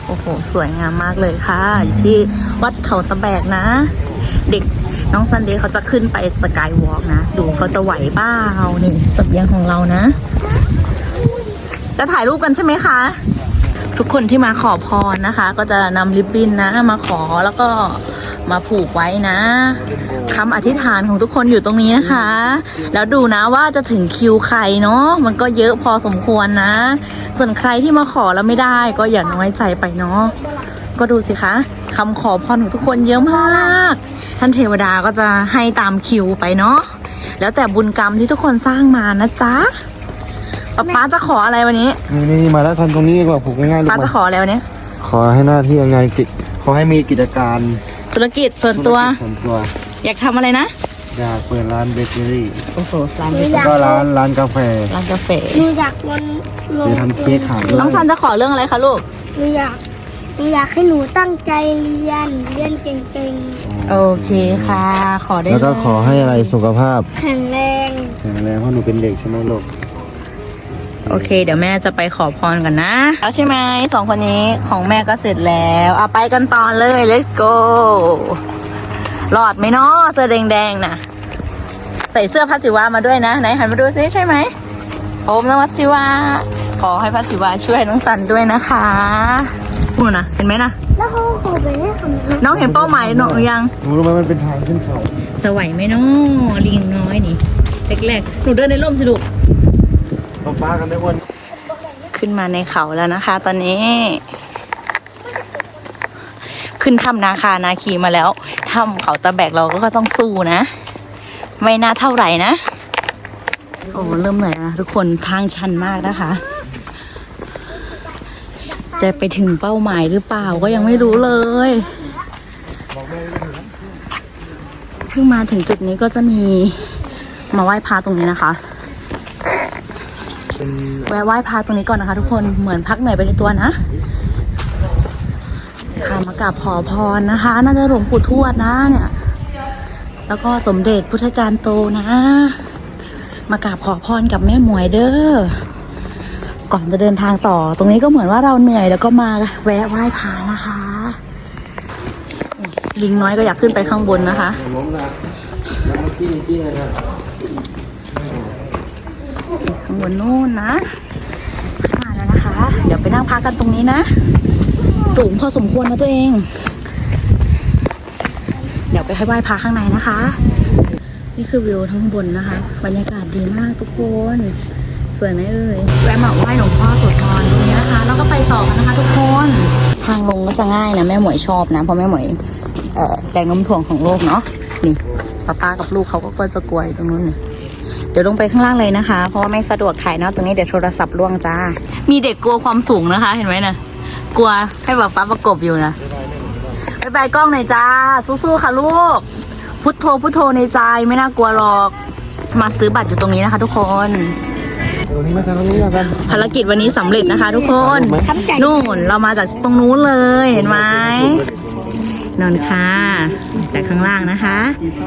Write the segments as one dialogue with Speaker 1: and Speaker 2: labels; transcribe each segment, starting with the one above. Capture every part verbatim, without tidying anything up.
Speaker 1: โอ้โหสวยงามมากเลยค่ะอยู่ที่วัดเขาตะแบกนะ เด็กน้องซันเดย์เขาจะขึ้นไปสกายวอล์กนะดูเขาจะไหวเปล่านี่เสบียงของเรานะ จะถ่ายรูปกันใช่ไหมคะทุกคนที่มาขอพรนะคะ ก็จะนำริบบิ้นนะมาขอแล้วก็มาผูกไว้นะคำอธิษฐานของทุกคนอยู่ตรงนี้นะคะ แล้วดูนะว่าจะถึงคิวใครเนาะมันก็เยอะพอสมควรนะ ส่วนใครที่มาขอแล้วไม่ได้ก็อย่าน้อยใจไปเนาะก็ดูสิคะคำขอพรของทุกคนเยอะมากท่านเทวดาก็จะให้ตามคิวไปเนาะแล้วแต่บุญกรรมที่ทุกคนสร้างมานะจ๊ะป๊าป๊าจะขออะไรวันนี้
Speaker 2: นี่นี่มาแล้วทันตรงนี้ดีกว่าผูกง่ายๆลูก
Speaker 1: ป๊าจะขออะไรวันนี้
Speaker 2: ขอให้หน้าที่ยังไงกิจขอให้มีกิจการ
Speaker 1: ธุรกิจส่วนตัว
Speaker 2: ส่วนตัว
Speaker 1: อยากทำอะไรนะ
Speaker 2: อยากเปิดร้านเบเกอรี่
Speaker 1: โอ้โหร้านเบเกอ
Speaker 2: แล้ว
Speaker 1: รี่
Speaker 2: ก็ร้านร้านกาแฟ
Speaker 1: ร้านกาแฟ
Speaker 3: หนูอยากลงลง
Speaker 2: จะทำเค้กขายด้วย
Speaker 1: น้องซันจะขอเรื่องอะไรคะลูก
Speaker 3: หนูอยากหนูอยากให้หนูตั้งใจเรียนเรียนเก่ง
Speaker 1: โอเคค่ะขอได้
Speaker 2: แล้วก็ขอให้อะไรสุขภาพ
Speaker 3: ๆแข็งแรง
Speaker 2: แข็งแรงเพราะหนูเป็นเด็กใช่ไหมลูก
Speaker 1: โอเคเดี๋ยวแม่จะไปขอพรกันนะแล้วใช่ไหมสองคนนี้ของแม่ก็เสร็จแล้วเอาไปกันต่อเลย let's go หลอดไหมเนาะเสื้อแดงๆนะใส่เสื้อพระศิวะมาด้วยนะไหนหันมาดูซิใช่ไหมโอมนมัสศิวะขอให้พระศิวะช่วยน้องสันด้วยนะคะนู่นนะเห็นไหมนะ
Speaker 3: แล้วเขาขอไปให้คำ
Speaker 1: น้องเห็นเป้าหมายหนูยัง
Speaker 2: รู้ไหมมันเป็นทางขึ้นเขา
Speaker 1: จะไหวไหมเนาะลิงน้อยนี่แรกๆหนูเดินในร่มสิลูก
Speaker 2: ฟ้ากันได้วัน
Speaker 1: ขึ้นมาในเขาแล้วนะคะ ตอนนี้ ขึ้นถ้ำนาคานาคีมาแล้วถ้ำเขาตะแบกเราก็ต้องสู้นะไม่น่าเท่าไหร่นะโอ้เริ่มเหนื่อยนะทุกคนทางชันมากนะคะจะไปถึงเป้าหมายหรือเปล่าก็ยังไม่รู้เลยเพิ่งมาถึงจุดนี้ก็จะมีมาไหว้พระตรงนี้นะคะแวะไหว้พระตรงนี้ก่อนนะคะทุกคนเหมือนพักเหนื่อยไปในตัวนะค่ะมากราบขอพรนะคะน่าจะหลวงปู่ทวดนะเนี่ยแล้วก็สมเด็จพุทธจารย์โตนะมากราบขอพรกับแม่หมวยเด้อก่อนจะเดินทางต่อตรงนี้ก็เหมือนว่าเราเหนื่อยแล้วก็มาแวะไหว้พระนะคะลิงน้อยก็อยากขึ้นไปข้างบนนะคะข้างบนนู่นนะมาแล้วนะคะเดี๋ยวไปนั่งพักกันตรงนี้นะสูงพอสมควรนะตัวเองเดี๋ยวไปให้ไหว้พระข้างในนะคะนี่คือวิวทั้งบนนะคะบรรยากาศดีมากทุกคนสวยไหมเอ่ยแวะมาไหว้หลวงพ่อโสธรตรงนี้นะคะแล้วก็ไปต่อกันนะคะทุกคนทางลงก็จะง่ายนะแม่หมวยชอบนะเพราะแม่หมวยเอ่อแรงโน้มถ่วงของโลกเนาะนี่ป้าป้ากับลูกเขาก็จะกลัวตรงนู้นนี่เดี๋ยวลงไปข้างล่างเลยนะคะเพราะว่าไม่สะดวกถ่ายเนาะตรงนี้เดี๋ยวโทรศัพท์ล่วงจ้ามีเด็กกลัวความสูงนะคะเห็นไหมนะกลัวให้ป้าป้าประกบอยู่นะบายบายกล้องหน่อยจ้าสู้ๆค่ะลูกพุทโธพุทโธในใจไม่น่ากลัวหรอกมาซื้อบัตรอยู่ตรงนี้นะคะทุกคนภารกิจวันนี้สำเร็จนะคะทุกคนนู่นเรามาจากตรงนู้นเลยเห็นไหมนอนค่ะจากข้างล่างนะคะ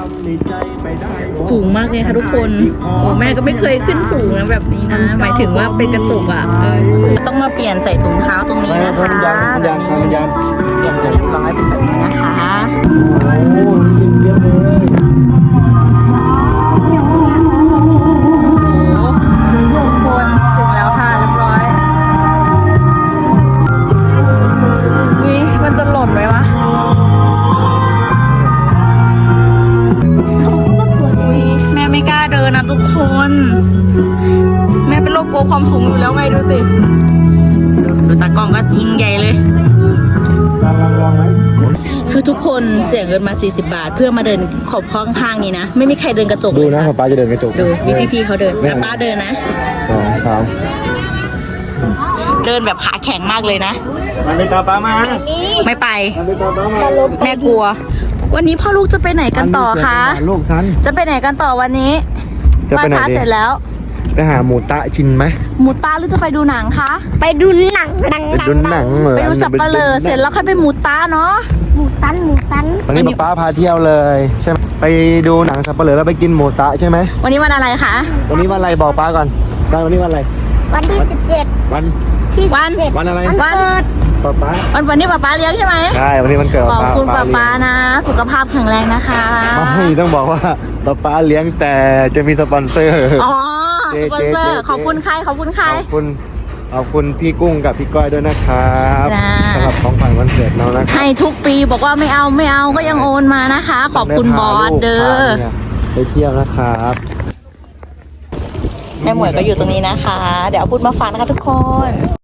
Speaker 1: สูงมากเลยค่ะทุกคนโอ้แม่ก็ไม่เคยขึ้นสูงแบบนี้นะหมายถึงว่าเป็นกระจกอ่ะเออต้องมาเปลี่ยนใส่ถุงเท้าตรงนี้นะคะแบบนี้เปลี่ยนเรียบร้อยเป็นแบบนี้นะคะ
Speaker 2: โอ้เยอะเลย
Speaker 1: ทุกคนถึงแล้วค่ะเรียบร้อยวิมันจะหล่นไหมวะแม่ไม่กล้าเดินนะทุกคนแม่เป็นโรคกลัวความสูงอยู่แล้วไงดูสิดูดูตากล้องก็ยิงใหญ่เลยคือทุกคนเสียเงินมาสี่สิบบาทเพื่อมาเดินขอบข้างข้างนี้นะไม่มีใครเดินกระจก
Speaker 2: ดูนะป้าจะเดินกระจก
Speaker 1: ดูพี่พี่เขาเดินป้าเดินนะ
Speaker 2: สองสาม
Speaker 1: เดินแบบขาแข็งมากเลยนะ
Speaker 2: มาเลยตาป้ามา
Speaker 1: ไม่ไปแม่กลัววันนี้พ่อลูกจะไปไหนกันต่อคะ
Speaker 2: ลูกฉัน
Speaker 1: จะไปไหนกันต่อวันนี้ไหว้พระเสร็จแล้ว
Speaker 2: ไปหาหมูตะกินไหม
Speaker 1: หมูตะหรือจะไปดูหนังคะ
Speaker 3: ไปดูหนังหนัง
Speaker 2: ไปดูหนัง
Speaker 1: ไปดูสับปะเลอเสร็จแล้วค่อยไปหมูตะเนาะ
Speaker 3: หมูตันหมูตัน
Speaker 2: วันนี้ป้าพาเที่ยวเลยใช่ไหมไปดูหนังสับปะเลอแล้วไปกินหมูตะใช่ไหม
Speaker 1: วันนี้วันอะไรคะ
Speaker 2: วันนี้วันอะไรบอกป้าก่อนวันนี้วันอะไร
Speaker 3: วันที่สิบเจ็ด
Speaker 2: วัน
Speaker 1: วัน
Speaker 2: วันอะไร
Speaker 1: วัน
Speaker 2: ป๊าป๊า
Speaker 1: วันวันนี้ป๊าป๊าเลี้ยงใช่ไหม
Speaker 2: ใช่วันนี้มันเกิด
Speaker 1: ขอบคุณป๊าป๊า
Speaker 2: เลี้ยง
Speaker 1: นะ สุขภาพแข็งแรงนะคะ
Speaker 2: ไม่ต้องบอกว่าป๊าป๊าเลี้ยงแต่จะมีสปอนเซอร์
Speaker 1: อ๋อ
Speaker 2: เจ๊
Speaker 1: สปอนเซอ
Speaker 2: เจ๊
Speaker 1: ร์
Speaker 2: เจ๊
Speaker 1: ขอบคุณใครขอบคุณใคร
Speaker 2: ขอบคุณขอบคุณพี่กุ้งกับพี่ก้อยด้วยนะครับ
Speaker 1: จ้า
Speaker 2: สำหรับของขวัญวันเกิดเรานะครับ
Speaker 1: ให้ทุกปีบอกว่าไม่เอาไม่เอาก็ยังโอนมานะคะ ขอบคุณบอสเด้อ
Speaker 2: พาเนี่ยไปเที่ยวนะครับ
Speaker 1: แม่หมวยก็อยู่ตรงนี้นะคะ เดี๋ยวเอาพูดมาฝากนะคะทุกคน